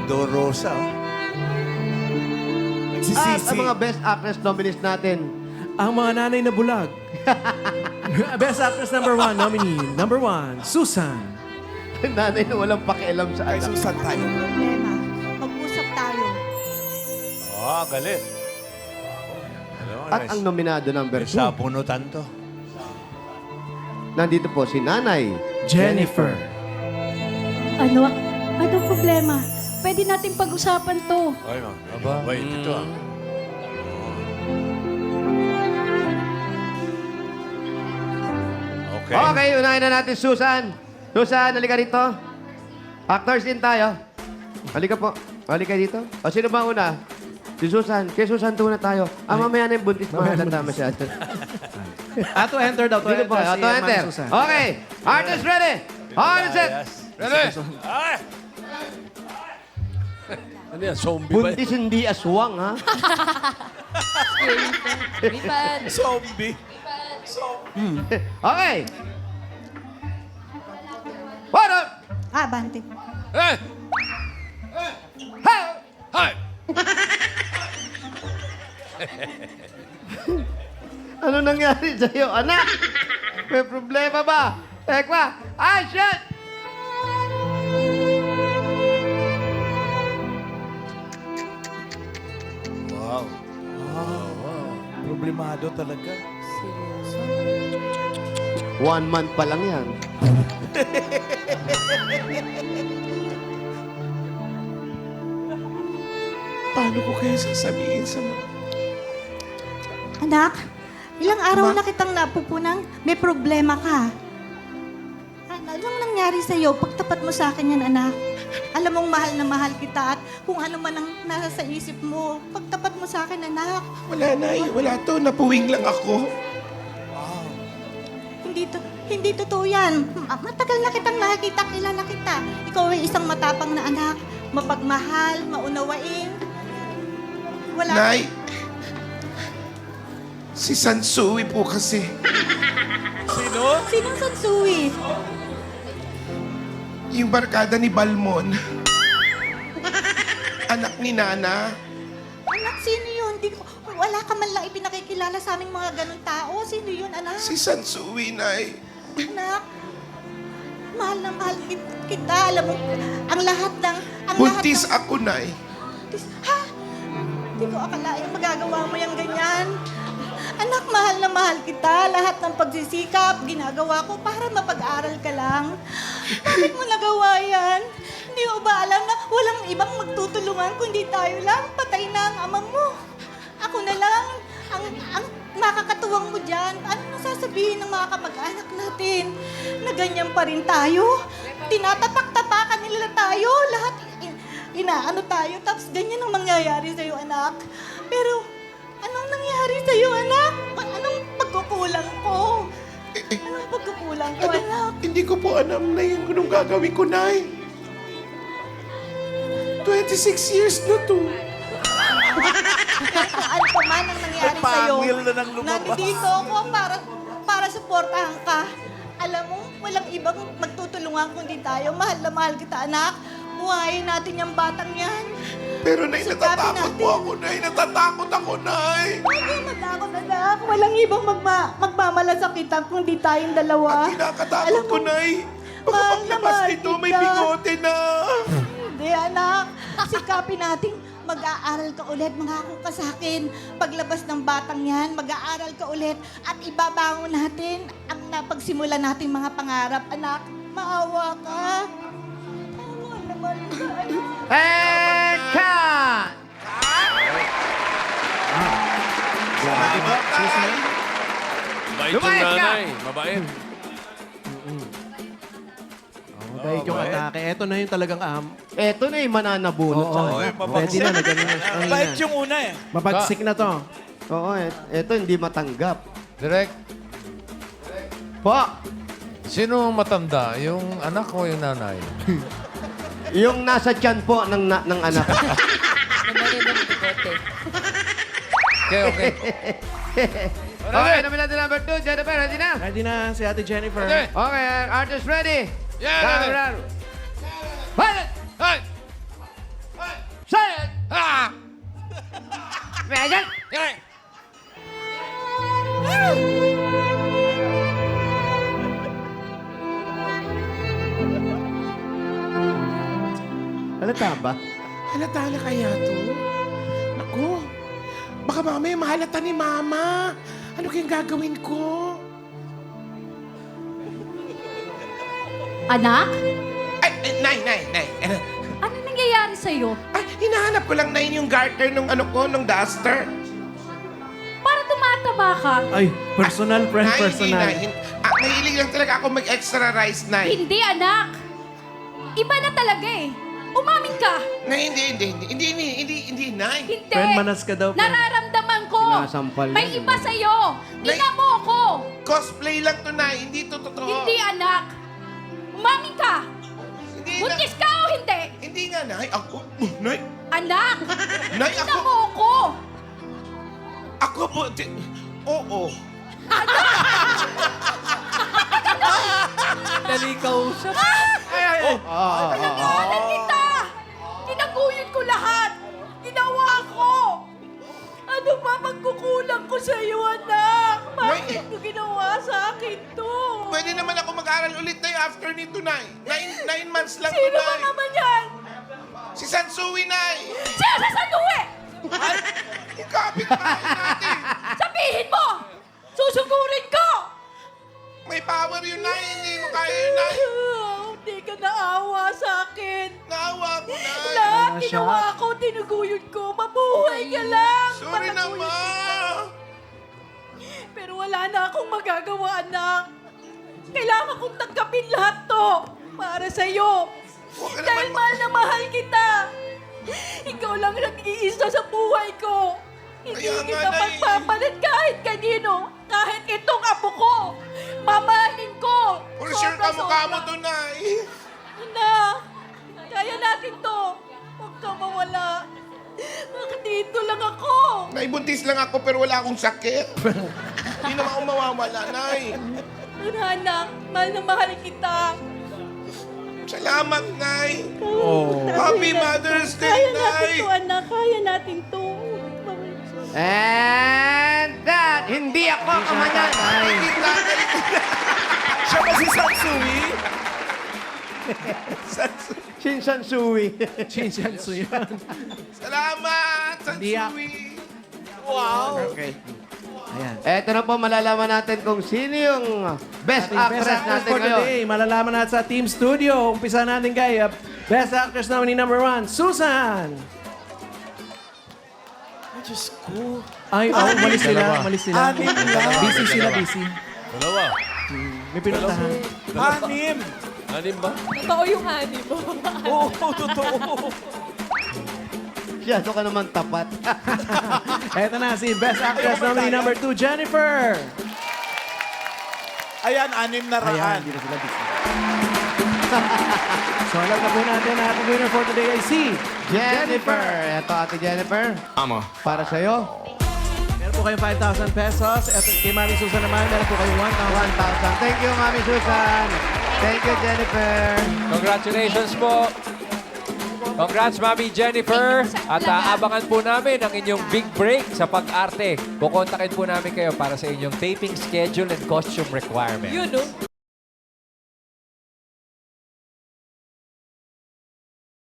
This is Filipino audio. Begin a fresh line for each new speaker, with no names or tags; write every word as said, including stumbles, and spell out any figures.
Dorosa. oh.
At
Nagsisisi.
ang mga Best Actress nominees natin.
Ang mga nanay na bulag. Best Actress number one nominee. Number one, Susan.
Nanay na walang pakialam sa
Kay
anak.
Susan tayo.
Problema. Mag-usap tayo.
Oh, galit. Ano,
At ang nominado number two,
Sa punutan to.
nandito po si Nanay.
Jennifer.
Ano? Ano problema? Pwede natin pag-usapan to.
Ay, ma. Aba. Wait, ito ah. Okay.
Okay, unahin na natin Susan. Susan, halika rito. Actors din tayo. Halika po. Halika dito. O, sino ba una? Si Susan. Kay Susan tuna tayo. Ah, mamaya na yung buntis. Mamaya na masyado.
Ah, to enter daw. To
Dito po.
enter.
Ah,
si
to
Ma'am
enter.
Susan.
Okay. Artist ready. On set.
Yes. Ready? Ay! Ano yan? Zombie ba?
Buntis hindi aswang, ha?
Zombie.
Okay. What up?
Ah, Bante.
Eh!
Hey!
Hi!
Ano nangyari sa'yo, anak? May problema ba? Tekwa, action!
Wow.
Problemado talaga.
One month pa lang yan.
Paano ko kaya sasabihin sa mga...
Anak, ilang araw
Ma?
na kitang napupunang may problema ka. Ano, anong nangyari sa'yo? Pagtapat mo sa akin yan, anak. Alam mong mahal na mahal kita at kung ano man ang nasa sa isip mo, pagtapat mo sa akin, anak.
Wala na eh. Wala to. Napuwing lang ako.
Hindi to, hindi totoo yan. Ma- Matagal na kitang nakikita, kilala kita. Ikaw ay isang matapang na anak, mapagmahal, maunawain. Wala.
Nay, si Sansui po kasi.
Sino?
Sinong Sansui?
Yung barkada ni Balmon. Anak ni Nana.
Anak, sino yun? Di ko, wala ka man lang ipinakikilala sa aming mga ganun tao. Sino yun, anak?
Si Sansui, Nay.
Anak, mahal na mahal kit- kita. Alam mo, ang lahat ng... Ang
Buntis
lahat
ako, Nay.
ng, buntis. Ha? Hindi ko akalain magagawa mo yung ganyan. Anak, mahal na mahal kita. Lahat ng pagsisikap, ginagawa ko para mapag-aral ka lang. Bakit mo nagawa yan? Hindi mo ba alam na walang ibang magtutulungan kundi tayo lang? Patay na ang ama mo. Ako na lang ang, ang makakatuwang mo dyan. Ano nang sasabihin ng mga kamag-anak natin? Na ganyan pa rin tayo? Tinatapak-tapakan nila tayo. Lahat in- inaano tayo. Tapos ganyan ang mangyayari sa'yo, anak. Pero anong nangyari sa'yo, anak? A- Anong pagkukulang ko?
Eh, eh,
Anong pagkukulang ko,
ano,
anak?
hindi ko po alam na yung anong gagawin ko, Nay. twenty-six years na to.
Kung ano pa man ang nangyari sa'yo,
Pangil na nang lumabas.
nandito ako para, para suportahan ka. Alam mo, walang ibang magtutulungan kundi tayo. Mahal na mahal kita, anak. Buhayin natin yung batang yan.
Pero, Nay,
Sikapin
natatakot
natin.
po ako, Nay. Natatakot ako, Nay.
Huwag kang matakot, anak. Walang ibang magma magmamalasakitan kundi tayong dalawa.
Ang kinakatakot
Alam
ko,
mo,
Nay. Baka
mahal na
paglabas
mahal
nito, may
kita.
bigote na.
Hindi, anak. Sikapin natin. Mag-aaral ka ulit, mangako ka sa akin. Paglabas ng batang yan, mag-aaral ka ulit at ibabangon natin ang napagsimulan nating mga pangarap. Anak, maawa ka. Maawa naman ka, anak.
And cut!
Mabait yung
Lumayas ka!
nanay. Mabait.
Mabait yung
mabait.
atake. Ito na yung talagang um,
Eto na yung mananabunot
Oo,
sa
oh,
anak.
ready na. Nagano na. Ang
Bait
ina.
yung una eh.
Mapagsik na to.
Oo, et- eto hindi matanggap.
Direk,
Po,
sino ang matanda? Yung anak o yung nanay?
yung nasa tiyan po ng, na- ng anak.
Okay, okay.
Okay, nominado number two, Jennifer, ready na?
Ready na si Ate Jennifer.
Ready.
Okay, artist ready?
Yeah,
Camera. Pilot!
Hey!
Halata ba?
Halata na kaya to? Naku, baka mamaya mahalata ni Mama. Ano kayang gagawin ko?
Anak?
Ay, ay Nay, Nay, Nay. Eh,
Ano nangyayari sa'yo?
Ay, hinahanap ko lang, Nay, yung garter nung ano ko, nung duster.
Para tumataba ka?
Ay, personal, friend,
Nay,
personal.
Hindi, Nay. Ah, mahilig lang talaga ako mag-extra rice, Nay.
Hindi, anak. Iba na talaga eh. Umamin ka.
Nay, hindi, hindi, hindi, hindi, hindi, hindi, hindi, Nay.
Hindi.
Friend, manas ka daw, friend.
Nararamdaman ko.
Sinasampal
May
yan.
iba sa'yo.
Nay-
Ina mo ko.
Cosplay lang to, Nay. Hindi to totoo.
Hindi, anak. Umamin ka.
Hindi na.
Buntis ka o hindi?
Hindi nga, Nay. Ako, Nay.
Anak.
Nay,
Ina
ako.
mo ko.
Ako po. di- Oo.
Nalikausap.
Pinangalan kita. Kinaguyod ko lahat. Ginawa ko. Ano ba magkukulang ko sa iyo, anak? Bakit
Nay-
mo ginawa sa akin to?
Pwede naman ako mag-aral ulit, Nay, after nito, Nay. Nine, nine months lang to,
Sino ba
Nay.
naman yan?
Si Sansui, Nay.
Siya sa sanuwi!
Yung kapitbahay natin.
Sabihin mo! Susugurin ko!
May power yun, Nay. Hindi mo kaya yun, Nay.
Hindi ka naawa sa akin.
Naawa ko, Nay.
Lahat
Wala siya.
ginawa ko, tinuguyod ko. Mabuhay ka lang.
Sorry na,
Pataguyod
Ma.
kita. Pero wala na akong magagawa, anak. Kailangan kong tanggapin lahat to para sa'yo.
Huwag ka
Dahil
naman-
mahal na mahal kita. Ikaw lang nag-iisa sa buhay ko. Hindi
Kaya nga,
kita
Nay.
magpapalit kahit kanino. Kahit itong apo ko. Mamahalin ko.
For sure ka mukha mo
Sobra-sobra.
to, Nay.
Anak, kaya natin to. Huwag ka mawala. Bakit dito lang ako?
Naibuntis lang ako pero wala akong sakit. Hindi naman ako mawawala, Nay.
Pero anak, mahal na mahal kita.
Salamat, Nay.
Oh.
Happy
Kaya-
Mother's Day,
Kaya natin
Nay.
to, anak. Kaya natin to.
And that, hindi ako kamanyan.
Kita,
Siya ba si Sansui?
Shinsan Sui.
Chinchansu yan.
Salamat,
Hindi ako.
Sansui.
Okay.
Ayan.
Eto na po, malalaman natin kung sino yung best
Ating
actress
best actress
natin
for
ngayon.
today. Malalaman natin sa Team Studio. Umpisa natin kay uh, Best Actress nominee number one, Susan.
Diyos ko.
Ay, oh, umalis sila.
Dalawa.
Umalis sila.
Anim lang.
Busy sila, busy.
Dalawa.
May pinuntahan.
Anim. Anim ba?
Totoo yung ani mo.
Oo, totoo.
Masyado ka naman tapat.
Eto na si Best Actress nominee number two, Jennifer.
Ayan, anim na
Ayan,
raan.
hindi na sila busy. So, alam na po natin na ating winner for today ay si
Jennifer. Eto, Ate Jennifer.
Amo.
Para sa'yo,
Meron po kayong five thousand pesos. Eto kay Mami Susan naman, meron po kayong one thousand.
one thousand. Thank you, Mami Susan. Thank you, Jennifer.
Congratulations po. Congrats, Mami Jennifer. At uh, abangan po namin ang inyong big break sa pag-arte. Kukontakin po namin kayo para sa inyong taping schedule and costume requirement.
Yun, no?